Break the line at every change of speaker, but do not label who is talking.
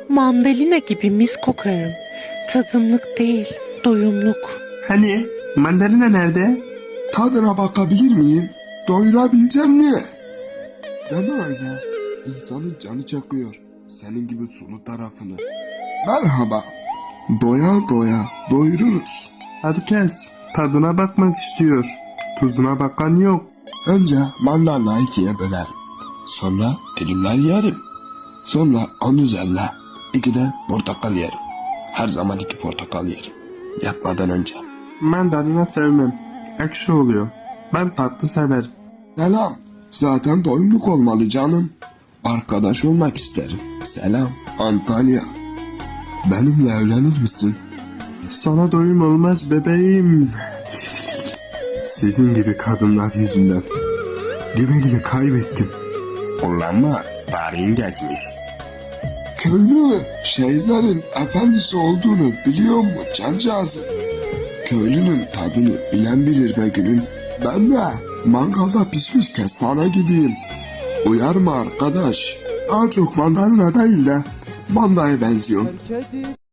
Mandalina gibi mis kokarım. Tadımlık değil, doyumluk.
Hani mandalina nerede?
Tadına bakabilir miyim? Doyurabilecek mi? Deme öyle. İnsanın canı çakıyor. Senin gibi sulu tarafını. Merhaba. Doya doya doyururuz.
Hadi kes. Tadına bakmak istiyor. Tuzuna bakan yok.
Önce mandalina ikiye bölerim. Sonra dilimler yerim. Sonra onun üzerine 2 de portakal yerim. Her zaman 2 portakal yerim. Yatmadan önce.
Mandalina sevmem. Ekşi oluyor. Ben tatlı severim.
Selam. Zaten doyumluk olmalı canım. Arkadaş olmak isterim. Selam Antalya. Benimle evlenir misin?
Sana doyum olmaz bebeğim.
Sizin gibi kadınlar yüzünden güvenimi kaybettim. Ulanma, tarihin geçmiş. Köylü şeylerin efendisi olduğunu biliyor mu cancağızım? Köylünün tadını bilen bilir be gülüm. Ben de mangalda pişmiş kestane gibiyim. Uyar mı arkadaş? Daha çok mandalina değil de mandaya benziyorum.